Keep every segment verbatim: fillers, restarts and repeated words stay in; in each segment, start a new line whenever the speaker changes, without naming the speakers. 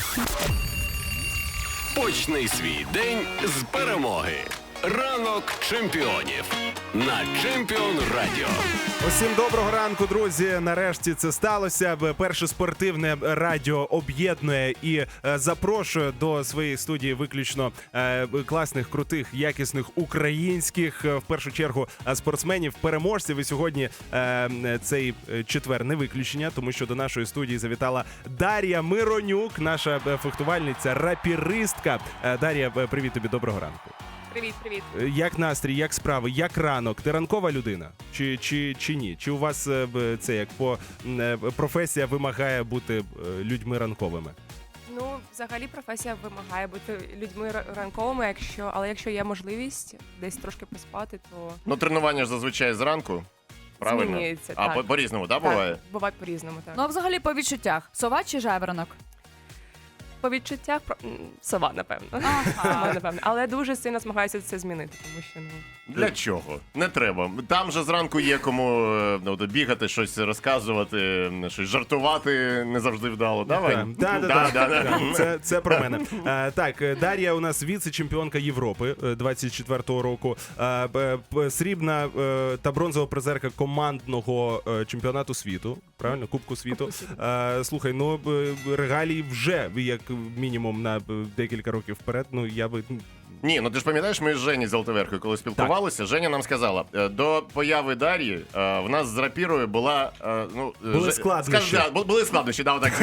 Почни свій день з перемоги. Ранок чемпіонів на Чемпіон Радіо.
Усім доброго ранку, друзі. Нарешті це сталося. Перше спортивне радіо об'єднує і е, запрошує до своєї студії виключно е, класних, крутих, якісних українських, е, в першу чергу, спортсменів, переможців. І сьогодні е, цей четвер не виключення, тому що до нашої студії завітала Дар'я Миронюк, наша фехтувальниця, рапіристка. Е, Дар'я, привіт тобі, доброго ранку.
Привіт, привіт.
Як настрій, як справи, як ранок? Ти ранкова людина? Чи, чи, чи ні? Чи у вас е, б, це як по е, професія вимагає бути е, людьми ранковими?
Ну, взагалі професія вимагає бути людьми ра- ранковими, якщо, але якщо є можливість десь трошки поспати, то
Ну, тренування ж зазвичай зранку, правильно?
змінюється.
А
так.
по- по-різному, да, буває?
Так, буває по-різному, так.
Ну, а взагалі по відчуттях. Сова чи жайворонок?
По відчуттях про- м, сова, напевно. Сова, напевно. Але дуже сильно змагаюся це змінити, тому що ну.
Для чого? Не треба. Там же зранку є кому е, ну, от бігати, щось розказувати, щось жартувати не завжди вдало. Давай.
Так, да, да, да, да. Це, це про мене. Е, так, Дар'я у нас віце-чемпіонка Європи е, двадцять четвертого року, е, б- б- срібна е, та бронзова призерка командного е, чемпіонату світу, правильно? Кубку світу. Е, слухай, ну б- регалії вже як мінімум на б- декілька років вперед. Ну я би
Ні, ну ти ж пам'ятаєш, ми з Жені Золотоверхою, коли спілкувалися, Женя нам сказала, е, до появи Дар'ї е, в нас з рапірою була... е, ну, е,
Були
Же-
складнощі.
Скажи, да, бу- були складнощі, да, отак.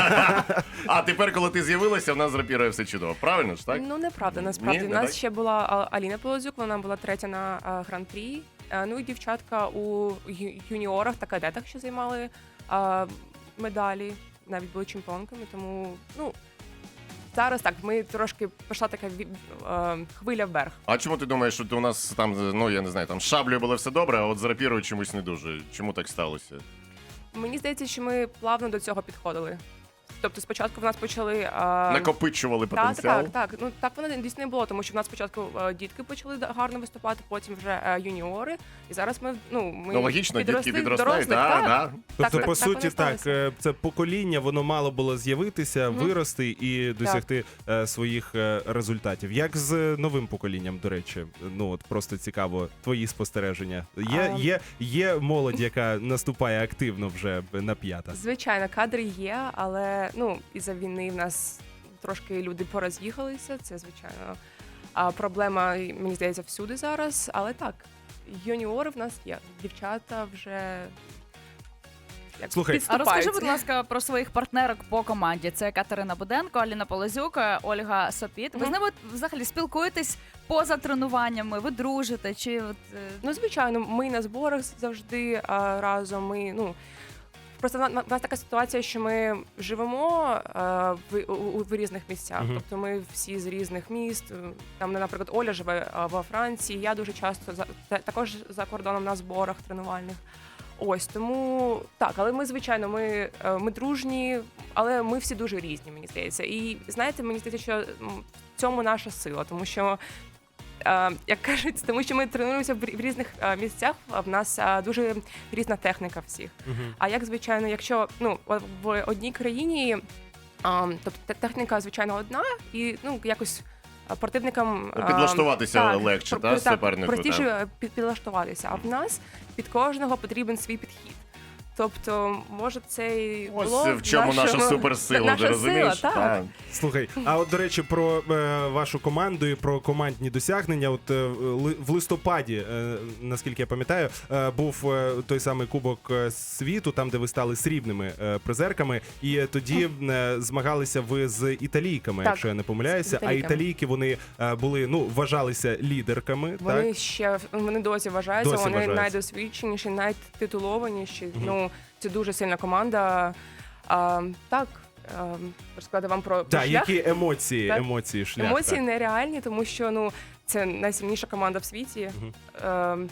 А тепер, коли ти з'явилася, в нас з рапірою все чудово. Правильно ж, так?
Ну, неправда, насправді.
Ні,
У
не
нас
так?
ще була а, Аліна Полозюк, вона була третя на а, гран-прі. А, ну і дівчатка у ю- юніорах та кадетах, що займали а, медалі, навіть були чемпіонками, тому, ну, зараз так, ми трошки пішла така ві- а, хвиля вверх.
А чому ти думаєш, що ти у нас там, ну я не знаю, там з шаблею було все добре, а от з рапірою чомусь не дуже? Чому так сталося?
Мені здається, що ми плавно до цього підходили. Тобто спочатку в нас почали... А...
Накопичували
Так,
потенціал?
так, так. Ну так воно дійсно не було, тому що в нас спочатку е, дітки почали да- гарно виступати, потім вже е, юніори. І зараз ми ну ми
Ну логічно, дітки
підросли в
підростають,
дорослих,
да,
так.
да.
Тобто,
так,
по
так
суті,
воно
так,
сталося.
е, це покоління, воно мало було з'явитися,
Мгм.
вирости і досягти е, своїх е, результатів. Як з новим поколінням, до речі? Ну, от просто цікаво, твої спостереження. Є,
А.
є, є молодь, яка наступає активно вже на п'ята?
Звичайно, кадри є, але ну із-за війни в нас трошки люди пороз'їхалися. Це звичайно. А проблема, мені здається, всюди зараз. Але так, юніори в нас є. Дівчата вже як
Слухай,
А
підступають.
розкажи, будь ласка, про своїх партнерок по команді. Це Катерина Буденко, Аліна Полозюк, Ольга Сопіт. Ви
Мгм.
з ними взагалі спілкуєтесь поза тренуваннями? Ви дружите? Чи от, е,
Ну, звичайно, ми на зборах завжди а, разом. Ми, ну, просто в нас така ситуація, що ми живемо а, в, у, у- в різних місцях.
Мгм.
Тобто ми всі з різних міст. Там, наприклад, Оля живе а, во Франції, я дуже часто за, та- також за кордоном на зборах тренувальних. Ось тому так, але ми, звичайно, ми, е, ми дружні, але ми всі дуже різні, мені здається. І знаєте, мені здається, що м, в цьому наша сила, тому що. Е, Як кажуть, тому що ми тренуємося в рі- в різних е, місцях, а в нас е, дуже різна техніка всіх.
Мгм.
А як звичайно, якщо ну в- в одній країні, а, тобто те- техніка звичайно одна, і ну якось а, противникам
Ну,
а,
підлаштуватися
так,
легше,
про-
та,
так,
супернику,
простіше
та.
е, під- підлаштуватися. А в нас під кожного потрібен свій підхід. Тобто, може, це і
Ось
було
в чому наша
нашого-
суперсила,
наша
ти розумієш?
сила, так.
Слухай, а от, до речі, про е, вашу команду і про командні досягнення. От е, ли- в листопаді, е, наскільки я пам'ятаю, е, був е, той самий Кубок е, світу, там, де ви стали срібними е, призерками, і тоді е, змагалися ви з італійками,
Так,
якщо я не помиляюся.
з
А
італійками.
італійки вони е, були, ну, вважалися лідерками.
Вони
так?
ще вони досі вважаються,
Досі
вони
вважаються.
найдосвідченіші, найтитулованіші. Ну це дуже сильна команда. А, так, а, розказати вам про, про
Так,
шлях.
які емоції,
Так.
емоції, шлях.
Емоції
так.
нереальні, тому що ну це найсильніша команда в світі.
Мгм.
Е,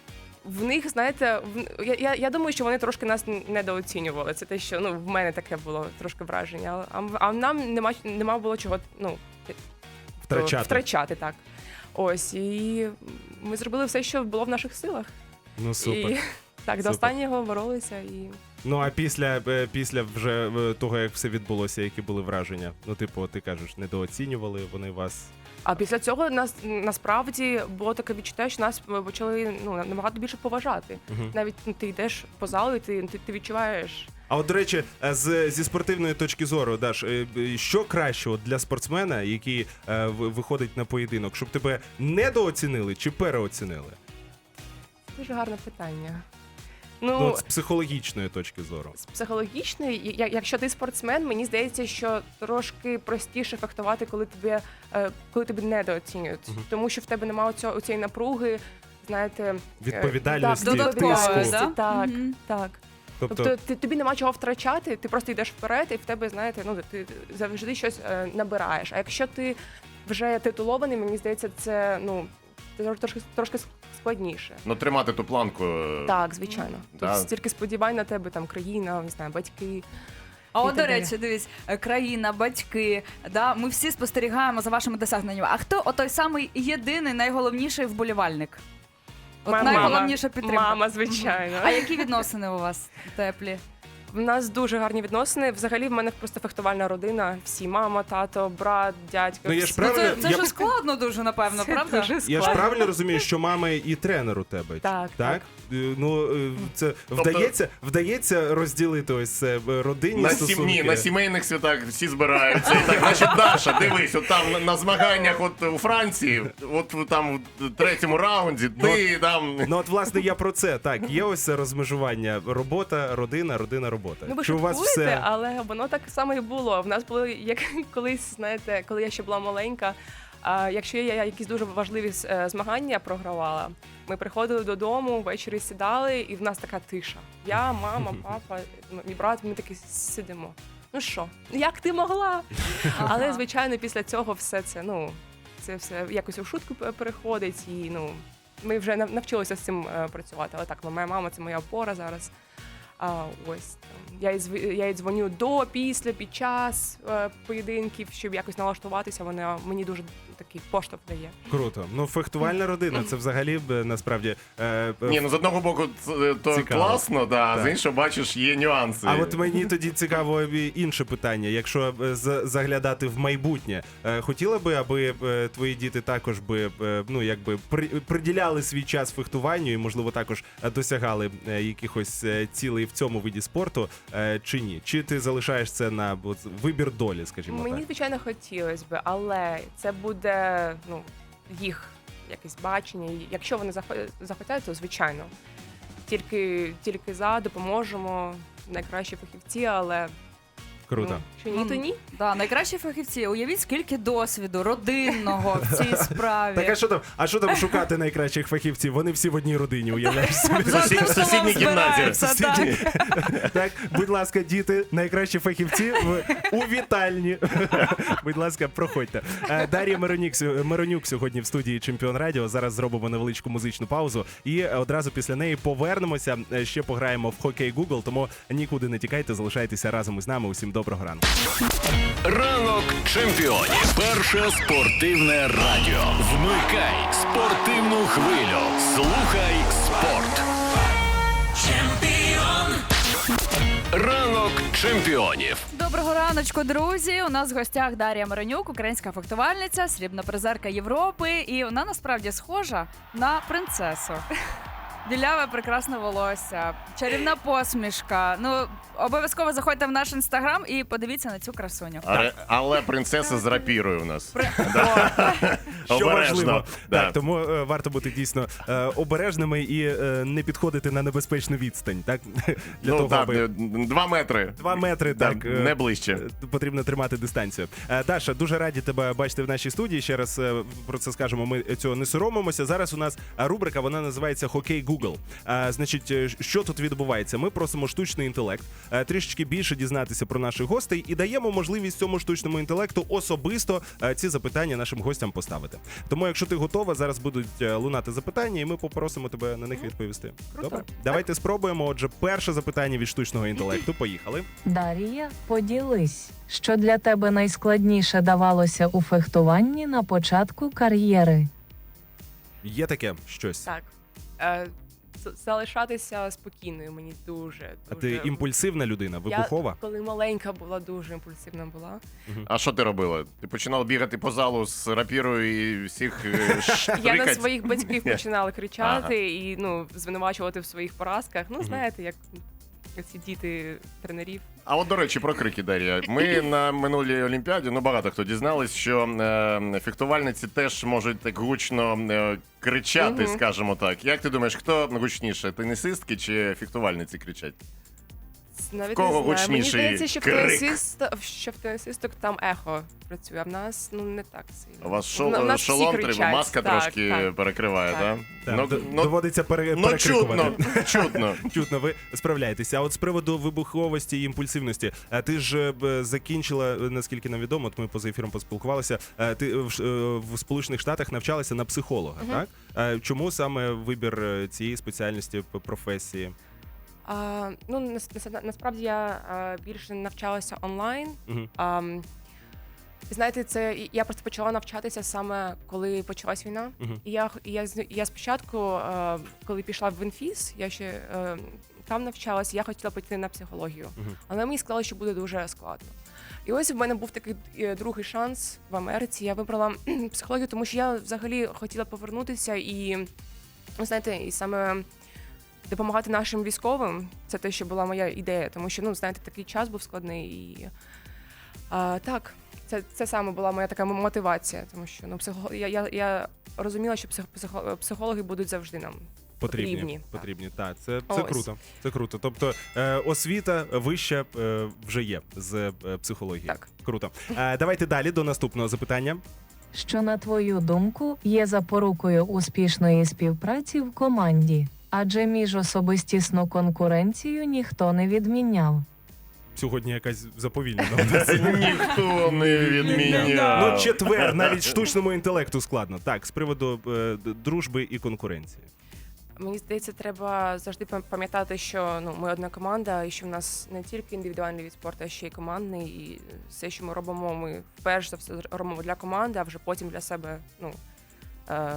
в них, знаєте, в, я, я, я думаю, що вони трошки нас недооцінювали. Це те, що ну в мене таке було трошки враження. А, а нам нема нема було чого ну
Втрачати.
втрачати так. Ось і ми зробили все, що було в наших силах.
Ну, супер.
І так,
Супер.
до останнього боролися і
Ну а після, е, після вже е, того, як все відбулося, які були враження? Ну, типу, ти кажеш, недооцінювали вони вас.
А після цього нас насправді було таке відчуття, що нас почали ну набагато більше поважати.
Мгм.
Навіть ну, ти йдеш по залу, і ти, ти, ти відчуваєш.
А от, до речі, е, з, зі спортивної точки зору, Даш, е, е, що краще от для спортсмена, який е, в- виходить на поєдинок, щоб тебе недооцінили чи переоцінили?
Дуже гарне питання.
Ну,
Ну,
от з психологічної точки зору.
з психологічної, я- якщо ти спортсмен, мені здається, що трошки простіше фехтувати, коли тебе, е, коли тебе недооцінюють.
Мгм.
Тому що в тебе немає цього цієї напруги, знаєте, е,
Відповідальності,
так,
Додатково,
відповідальності,
да?
Так,
Мгм.
так.
Тобто,
Тобто ти, тобі нема чого втрачати, ти просто йдеш вперед, і в тебе, знаєте, ну ти завжди щось е, набираєш. А якщо ти вже титулований, мені здається, це ну це трошки трошки складніше.
Ну, тримати ту планку. е,
Так, звичайно. Тут
Да.
стільки сподівань на тебе, там країна, не знаю, батьки.
А
І
от,
так
до
далі.
речі, дивись, е, країна, батьки, да, ми всі спостерігаємо за вашими досягненнями. А хто отой самий єдиний, найголовніший вболівальник? От
Моя
найголовніша
мама.
підтримка.
Мама, звичайно.
А які відносини у вас теплі?
В нас дуже гарні відносини. Взагалі, в мене просто фехтувальна родина. Всі мама, тато, брат, дядько.
Ну, я ж
всі.
Ну,
Правильно,
це це
я-
ж складно дуже, напевно,
Це
правда?
дуже
я ж
складно.
правильно розумію, що мама і тренер у тебе?
Так,
так? Е, Ну, е, це
Тобто-
вдається, вдається розділити ось це е, родинні
На,
стосунки?
сім'ї, на сімейних святах всі збираються. І так, значить, Даша, дивись, от там на, на змаганнях от у Франції, от там в третьому раунді, ти там.
Ну от власне я про це. Так, є ось це розмежування робота, родина, родина, робота.
Ну, ви
Чи у вас
шуткуєте,
все
але воно так само і було. В нас було як колись, знаєте, коли я ще була маленька. А якщо я якісь дуже важливі е, змагання програвала, ми приходили додому, ввечері сідали, і в нас така тиша. Я, мама, папа, мій брат, ми такі сидимо. Ну що, як ти могла? Але звичайно, після цього все це, ну, це все якось у шутку пе- переходить, і ну ми вже нав- навчилися з цим е, працювати. Але так, моя мама це моя опора зараз. А ось там я їй зв- я їй дзвоню до, після, під час е, поєдинків, щоб якось налаштуватися. Вона мені дуже такий поштовх дає.
круто. Ну, фехтувальна родина, це взагалі б, насправді. е, е,
Ні, ну з одного боку, ц- то
Цікаво.
класно, да, а
Так.
з іншого, бачиш, є нюанси.
А от мені тоді цікаво і інше питання. Якщо е, з- заглядати в майбутнє, е, хотіла би, аби е, твої діти також би е, ну якби при- приділяли свій час фехтуванню і, можливо, також е, досягали е, якихось е, цілей в цьому виді спорту, е, чи ні? Чи ти залишаєш це на от, вибір долі, скажімо
Мені
так?
звичайно хотілося би, але це буде ну їх якесь бачення. І якщо вони захо- захотять, то звичайно. Тільки тільки за допоможемо найкращі фахівці, але
Круто.
ну, що ні, то ні.
Да, найкращі фахівці. Уявіть, скільки досвіду родинного в цій справі.
Так, а що там? А що там шукати найкращих фахівців? Вони всі в одній родині, уявляєш собі.
Завжди
в сусідній
столом
кімнаті.
збираються, так.
Сусіді. Так, будь ласка, діти, найкращі фахівці в у вітальні. Будь ласка, проходьте. Е, Дар'я Миронюк, сьо- Миронюк сьогодні в студії Чемпіон Радіо. Зараз зробимо невеличку музичну паузу і одразу після неї повернемося. Е, Ще пограємо в хокей Google, тому нікуди не тікайте, залишайтеся разом із нами. Усім доброго ранку.
Ранок чемпіонів. Перше спортивне радіо. Вмикай спортивну хвилю. Слухай спорт. Ранок чемпіонів.
Доброго раночку, друзі. У нас в гостях Дар'я Миронюк, українська фехтувальниця, срібна призерка Європи. І вона насправді схожа на принцесу. Біляве прекрасне волосся, чарівна посмішка. Ну, обов'язково заходьте в наш інстаграм і подивіться на цю красуню.
Але, але принцеса з рапірою у нас.
Що
Обережно.
важливо.
Да.
Так, тому е, варто бути дійсно е, обережними і е, не підходити на небезпечну відстань. Так? Для
Ну
того,
так,
аби...
два метри.
Два метри,
Да,
так. е,
не ближче.
е, Потрібно тримати дистанцію. Е, Даша, дуже раді тебе бачити в нашій студії. Ще раз е, про це скажемо, ми цього не соромимося. Зараз у нас рубрика, вона називається «Хокей Google». Е, Значить, е, що тут відбувається? Ми просимо штучний інтелект е, трішечки більше дізнатися про наших гостей і даємо можливість цьому штучному інтелекту особисто е, ці запитання нашим гостям поставити. Тому, якщо ти готова, зараз будуть е, лунати запитання, і ми попросимо тебе на них відповісти.
Круто.
Добре? Давайте спробуємо. Отже, перше запитання від штучного інтелекту. Поїхали.
Дар'я, поділись, що для тебе найскладніше давалося у фехтуванні на початку кар'єри.
Є таке щось?
Так. Е, з- залишатися спокійною мені дуже.
А
дуже...
ти імпульсивна людина, вибухова?
Я коли маленька була, дуже імпульсивна була.
А що ти робила? Ти починала бігати по залу з рапірою і всіх е,
Я на
штрикать?
своїх батьків починала кричати і ну, звинувачувати в своїх поразках. Ну, знаєте, як ці діти тренерів.
А от, до речі, про крики, Дар'я. Ми на минулій Олімпіаді, ну багато хто дізнались, що е, фехтувальниці теж можуть так гучно е, кричати,
Мгм.
скажімо так. Як ти думаєш, хто гучніше, тенісистки чи фехтувальниці кричать?
Навіть
кого
не знаю. Мені
гучніший
здається, що в,
крик?
тенісист, що в тенісисток там ехо працює, а в нас ну не так сильно.
У вас шол,
Ну, в нас всі
шолом треба,
кричать.
маска
Так,
трошки
так.
перекриває,
Так.
так?
Так,
Ну,
д-
ну,
доводиться пере,
ну
перекрикувати.
чутно, чутно.
Чутно, ви справляєтеся. А от з приводу вибуховості і імпульсивності, а ти ж е, б, закінчила, е, наскільки нам відомо, от ми поза ефіром поспілкувалися. е, Ти в, Ш- е, в Сполучених Штатах навчалася на психолога, так? Е, Чому саме вибір е, цієї спеціальності п- професії?
А, ну нас, нас- насправді я а, більше навчалася онлайн.
Мгм.
А, м, знаєте, це я просто почала навчатися саме коли почалась війна.
Мгм.
І я х- і я з- я спочатку, е, коли пішла в інфіз, я ще е, там навчалася, я хотіла піти на психологію,
Мгм.
але мені сказали, що буде дуже складно. І ось в мене був такий е, другий шанс в Америці. Я вибрала психологію, тому що я взагалі хотіла повернутися і, ну, знаєте, і саме допомагати нашим військовим. Це те, що була моя ідея, тому що, ну, знаєте, такий час був складний. І а, так, це, це саме була моя така мотивація, тому що ну, психо... я, я, я розуміла, що псих... психо... психологи будуть завжди нам
Потрібні,
потрібні. Так.
потрібні. Так, це, це
Ось.
круто. Це круто. Тобто е, освіта вища е, вже є з е, психології.
Так.
Круто. Е, давайте далі до наступного запитання.
Що, на твою думку, є запорукою успішної співпраці в команді? Адже міжособистісну конкуренцію ніхто не відміняв.
Сьогодні якась заповільнена.
Ніхто не відміняв.
Ну, четвер, навіть штучному інтелекту складно. Так, з приводу е, д- дружби і конкуренції.
Мені здається, треба завжди пам- пам'ятати, що ну, ми одна команда, і що в нас не тільки індивідуальний від спорту, а ще й командний. І все, що ми робимо, ми вперше за все робимо для команди, а вже потім для себе. Ну, е,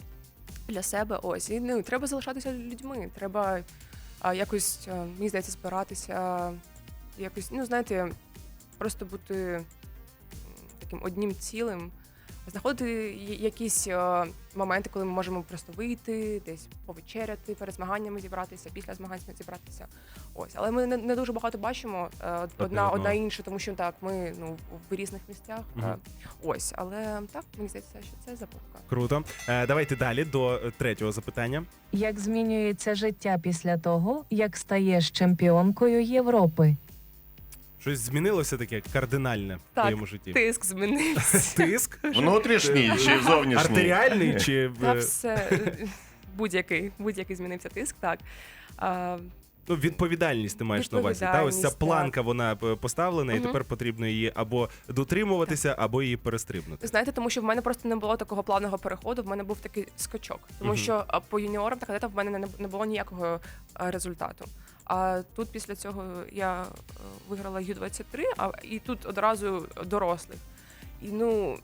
для себе ось. І ну, треба залишатися людьми. Треба а, якось, е, мені здається, збиратися, якось, ну, знаєте, просто бути м, таким одним цілим. Знаходити я- якісь е, моменти, коли ми можемо просто вийти, десь повечеряти, перед змаганнями зібратися, після змагань зібратися. Ось, але ми не, не дуже багато бачимо е, одна,
одного.
одна інша, тому що так, ми ну в різних місцях. е,
Мгм.
Ось, але так мені здається, що це запорука.
Круто. Е, давайте далі до е, третього запитання.
Як змінюється життя після того, як стаєш чемпіонкою Європи?
Щось змінилося таке кардинальне в
Так,
твоєму житті?
Тиск змінився.
Тиск?
Внутрішній чи зовнішній?
Артеріальний чи в-
Та все е, будь-який, будь-який змінився тиск, так. А,
ну, відповідальність ти маєш на увазі? Та ось ця
Відповідальність,
планка, вона е, поставлена, і
Мгм.
тепер потрібно її або дотримуватися, або її перестрибнути.
Знаєте, тому що в мене просто не було такого плавного переходу, в мене був такий скачок. Тому
Мгм.
що а, по юніорам та кадетам в мене не, не було ніякого а, результату. А тут після цього я е, виграла Ю двадцять три, а і тут одразу дорослих. І ну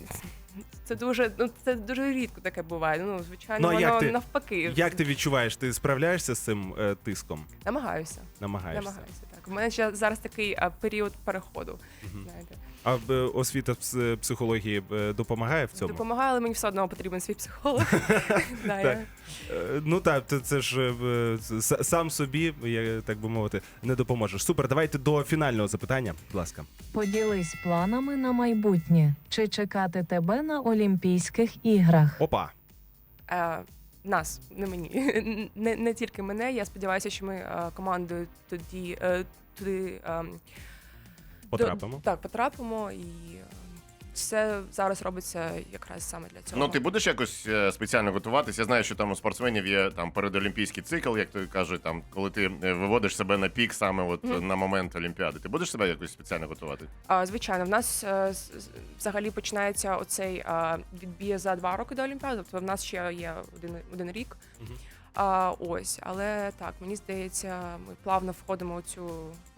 це дуже, ну це дуже рідко таке буває. Ну, звичайно,
Ну, а як
воно
ти-
навпаки.
Як ти відчуваєш? Ти справляєшся з цим е, тиском?
Намагаюся.
Намагаєшся?
Намагаюся. Так. У мене ще зараз такий а, період переходу.
Мгм.
Знаєте.
А е, освіта пс- психології е, допомагає в цьому?
Допомагає, але мені все одно потрібен свій психолог. Да,
Так.
я-
Е, Ну так, це, це ж е, с- сам собі, я, так би мовити, не допоможеш. Супер, давайте до фінального запитання, будь ласка.
Поділись планами на майбутнє. Чи чекати тебе на Олімпійських іграх?
Опа.
Е, нас, не мені. Не, не тільки мене. Я сподіваюся, що ми е, командою тоді е, туди е,
Потрапимо.
До, так, потрапимо, і е, все зараз робиться якраз саме для цього.
Ну, ти будеш якось е, спеціально готуватись? Я знаю, що там у спортсменів є там передолімпійський цикл, як то кажуть, там, коли ти е, виводиш себе на пік саме от
Мгм.
на момент Олімпіади. Ти будеш себе якось спеціально готувати?
А, звичайно, в нас е, з- з- взагалі починається оцей е, відбір за два роки до Олімпіади, тобто в нас ще є один, один рік.
Мгм.
А, ось, але так, мені здається, ми плавно входимо у цю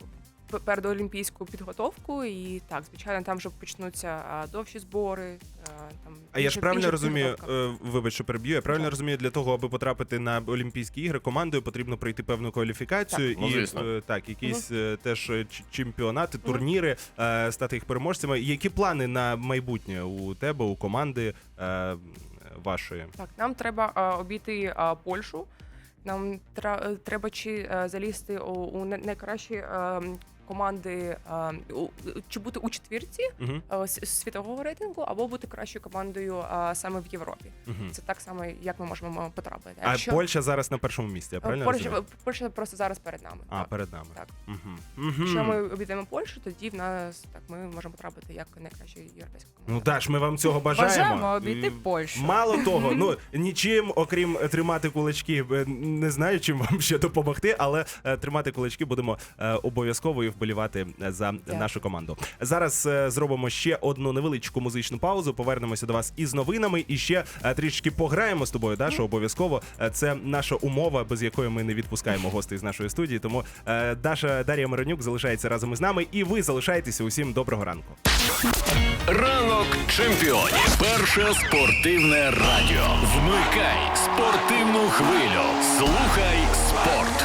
п- передолімпійську підготовку. І так, звичайно, там вже почнуться а, довші збори. А, там
А я ж
інша-
правильно
інша
розумію,
підготовка.
е, вибач, що переб'ю, я правильно
Так.
розумію, для того, аби потрапити на Олімпійські ігри, командою потрібно пройти певну кваліфікацію
Так. Ну,
і
звісно.
е, так, якісь е, теж е, ч- чемпіонати, турніри, е, стати їх переможцями. Які плани на майбутнє у тебе, у команди е, вашої?
Так, нам треба а, обійти а, Польщу. Нам тра- треба чи е, залізти у, у не- найкращі е, команди, е, у- чи бути у четвірці
Угу.
е, с- світового рейтингу, або бути кращою командою е, саме в Європі.
Угу.
Це так само, як ми можемо потрапити.
А
Якщо-
Польща зараз на першому місці, я
Е,
правильно
Польща,
розумію?
Польща просто зараз перед нами.
А,
так.
перед нами.
Так.
Угу.
Якщо ми обійдемо Польщу, тоді в нас так ми можемо потрапити як найкраща європейська команда.
Ну Даш, ми вам цього бажаємо.
Бажаємо обійти
І
Польщу.
Мало того, ну нічим, окрім тримати кулачки, е, не знаю, чим вам ще допомогти, але е, тримати кулачки будемо е, обов'язково і вболівати за нашу команду. Зараз е, зробимо ще одну невеличку музичну паузу. Повернемося до вас із новинами і ще е, трішки пограємо з тобою, Даша. Обов'язково. Е, Це наша умова, без якої ми не відпускаємо гостей з нашої студії. Тому е, Даша Дар'я Миронюк залишається разом із нами, і ви залишаєтеся. Усім доброго ранку.
Ранок чемпіонів. Перше спортивне радіо. Вмикай спортивну хвилю. Слухай спорт.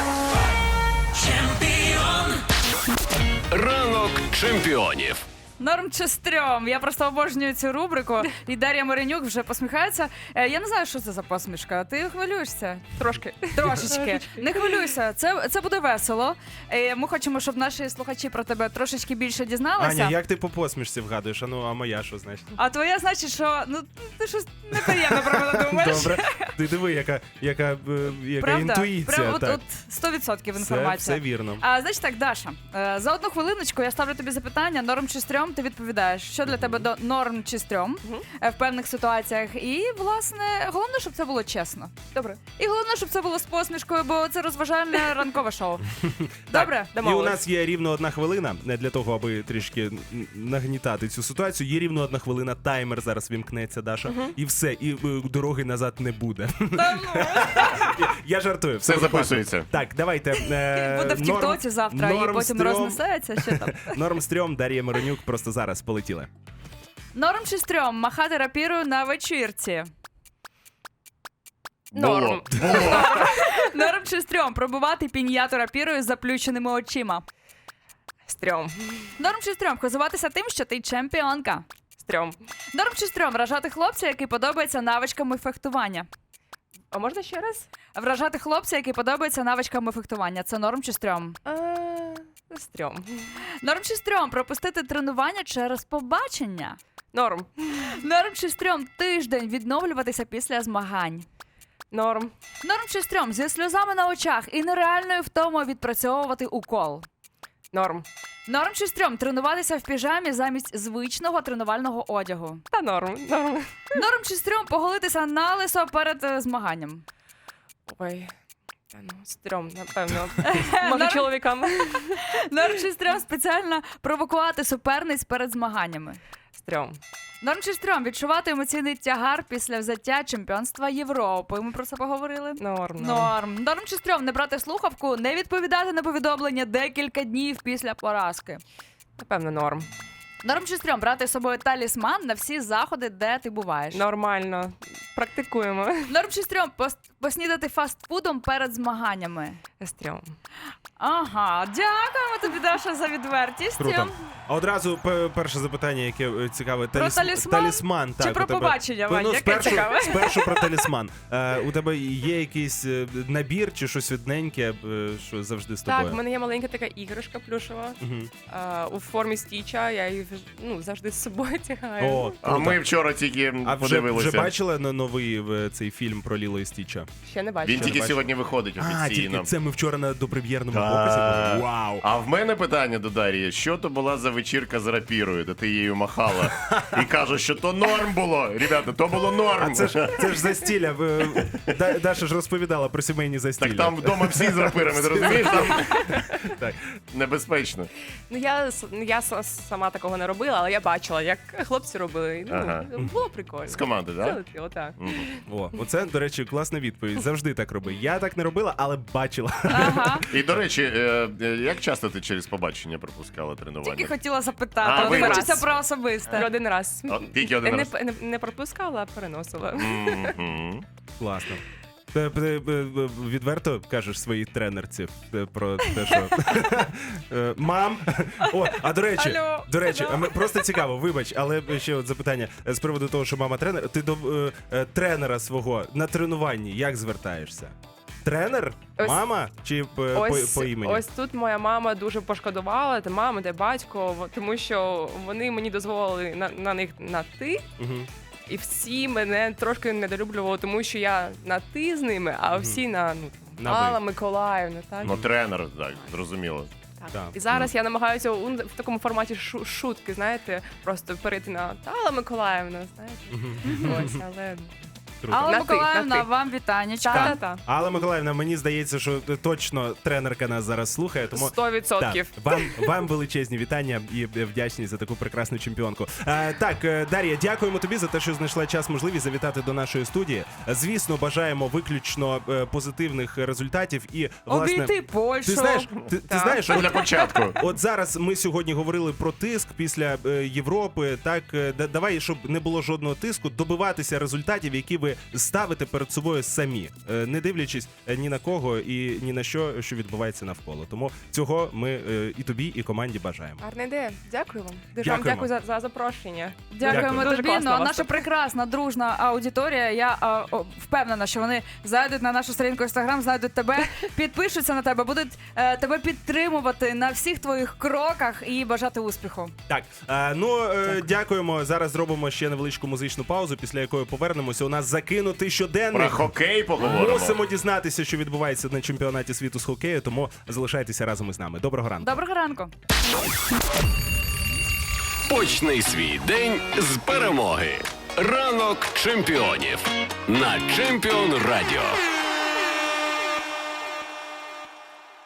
Ранок чемпіонів.
Норм чи стрьом? Я просто обожнюю цю рубрику. І Дар'я Миронюк вже посміхається. Е, Я не знаю, що це за посмішка. Ти хвилюєшся?
Трошки.
Трошечки. Не хвилюйся, це, це буде весело. Е, Ми хочемо, щоб наші слухачі про тебе трошечки більше дізналися.
Аня, як ти по посмішці вгадуєш? А ну, а моя що значить?
А твоя значить, що ну ти щось неприємно про мене думаєш.
Добре. Ти диви, яка, яка, е, яка
Правда?
інтуїція.
Прям от,
так.
от сто відсотків
Все,
інформація.
все вірно.
А значить так, Даша, е, за одну хвилиночку я ставлю тобі запитання: норм чи стрьом, ти відповідаєш, що для тебе до норм чи стрьом
Мгм.
е, в певних ситуаціях. І, власне, головне, щоб це було чесно.
Добре.
І головне, щоб це було з посмішкою, бо це розважальне ранкове шоу. Добре?
І у нас є рівно одна хвилина не для того, аби трішки н- нагнітати цю ситуацію. Є рівно одна хвилина, таймер зараз вімкнеться, Даша, і все, і е, дороги назад не буде.
Та ну.
Я жартую,
Все записується.
Так, давайте. е,
Буде в
норм-
Тіктоці завтра, і
норм
потім
стрьом-
рознесеться. Що там?
Норм стрьом, Дар'я Миронюк просто зараз полетіли.
Норм чи стрьом махати рапірою на вечірці.
Було.
Норм.
Було.
Норм чи стрьом пробувати піньяту рапірою з заплющеними очима.
Стрьом.
Норм чи стрьом хизуватися тим, що ти чемпіонка.
Стрьом.
Норм чи стрьом вражати хлопця, який подобається навичками фехтування.
А можна ще раз?
Вражати хлопця, який подобається навичками фехтування. Це норм чи стрьом.
А, стрьом.
Норм чи стрьом пропустити тренування через побачення.
Норм.
Норм чи стрьом тиждень відновлюватися після змагань.
Норм.
Норм чи стрьом зі сльозами на очах і нереальною втомою відпрацьовувати укол.
Норм.
Норм чи стрьом тренуватися в піжамі замість звичного тренувального одягу.
Та норм. Норм.
Норм чи стрьом поголитися на лисо перед е, змаганням.
Ой. Та ну, стрьом, напевно. Може, чоловікам.
Норм чи стрьом спеціально провокувати суперниць перед змаганнями.
Стрьом.
Норм чи стрьом відчувати емоційний тягар після взяття чемпіонства Європи. Ми про це поговорили.
Норм.
Норм. Норм чи стрьом не брати слухавку, не відповідати на повідомлення декілька днів після поразки.
Напевно, норм.
Норм чи стрьом брати з собою талісман на всі заходи, де ти буваєш.
Нормально. Практикуємо.
Норм чи стрьом пос- поснідати фастфудом перед змаганнями.
Стрьом.
Ага, дякуємо тобі, Даша, за відвертість.
Круто. А одразу п- перше запитання, яке е, цікаве.
Про
Таліс-
талісман?
талісман
Чи
так,
про
у тебе.
побачення,
Ну,
Вань? Яке
спершу,
цікаве?
спершу про талісман. Е, у тебе є якийсь е, набір чи щось одненьке, е, що завжди з тобою?
Так, в мене є маленька така іграшка плюшева
Мгм.
а, у формі стіча. Я її ну, завжди з собою тягаю.
О,
А
круто.
ми вчора тільки
А вже,
подивилися.
вже бачили на новий е, цей фільм про Ліло і Стіча?
Ще не бачу.
Він тільки
бачив.
сьогодні виходить
А, тільки
офіційно.
це ми вчора на допрем'єрному
Так.
показі були. Вау!
А в мене питання до Дар'ї: що то була за вечірка з рапірою, де ти її махала і кажеш, що то норм було. Ребята, то було норм.
А це ж це ж застілля. Ви- Да- Даша ж розповідала про сімейні застілля.
Так там вдома всі з рапирами, ти розумієш? Там
Так.
небезпечно.
Ну я, с- я с- сама такого не робила, але я бачила, як хлопці робили. Ну,
Ага.
було прикольно.
З команди, так?
Залетіло, так.
О, оце, до речі, класна відповідь. відповідь. Завжди так роби. Я так не робила, але бачила.
Ага.
І, до речі, е, е, як часто ти через побачення пропускала тренування?
Тільки хотіла
А,
запитати. От
вибач.
хочеться про особисте.
Один раз.
О, тільки один
не,
раз.
не, не пропускала, а переносила.
Мгм.
Класно. Ти- ти- ти відверто кажеш своїй тренерці е, про те, що Е, мам. О, а до речі,
Алло,
до речі,
алло.
а ми- просто цікаво, вибач, але ще от запитання е, з приводу того, що мама тренер. Ти до е, е, тренера свого на тренуванні як звертаєшся? Тренер?
Ось-
Мама? Чи е, по,
Ось,
по імені?
ось тут моя мама дуже пошкодувала, де мама, де батько, во- тому що вони мені дозволили на, на них на ти.
Мгм.
І всі мене трошки недолюблювали, тому що я на ти з ними, а всі на ну
На ви.
Алла Миколаївна, так?
Ну, тренер, так, зрозуміло.
Так.
Так.
І зараз я намагаюся у- в такому форматі шу- шутки, знаєте, просто перейти на Алла Миколаївна, знаєте. Ось, але
Круто.
Алла
На ти,
Миколаївна,
на ти.
вам вітанечка.
та-та-та.
Алла Миколаївна, мені здається, що точно тренерка нас зараз слухає, тому
Сто відсотків.
Так, вам, вам величезні вітання і вдячність за таку прекрасну чемпіонку. Е, так, е, Дар'я, дякуємо тобі за те, що знайшла час, можливість завітати до нашої студії. Звісно, бажаємо виключно е, позитивних результатів і власне.
Обійти Польщу.
Ти знаєш, ти, ти
Так.
знаєш,
Для
от,
початку.
от зараз ми сьогодні говорили про тиск після е, Європи. Так, е, да- давай, щоб не було жодного тиску, добиватися результатів, які ви ставите перед собою самі, е, не дивлячись е, ні на кого і ні на що, що відбувається навколо. Тому цього ми е, і тобі, і команді бажаємо.
Гарна ідея. Дякую вам. Дуже вам
Дякуємо.
дякую за, за запрошення.
Дякуємо
Дякую.
Дуже
тобі.
класно
Ну, а
у вас
наша
тут.
прекрасна дружна аудиторія. Я а, о, впевнена, що вони зайдуть на нашу сторінку інстаграм, знайдуть тебе, підпишуться на тебе, будуть е, тебе підтримувати на всіх твоїх кроках і бажати успіху.
Так, е, ну е, дякуємо. Зараз зробимо ще невеличку музичну паузу, після якої повернемося. У нас закинутий
Про
щоденник.
хокей поговоримо.
Мусимо дізнатися, що відбувається на чемпіонаті світу з хокею, тому залишайтеся разом із нами. Доброго ранку.
Доброго ранку.
Почни свій день з перемоги. Ранок чемпіонів на Чемпіон Радіо.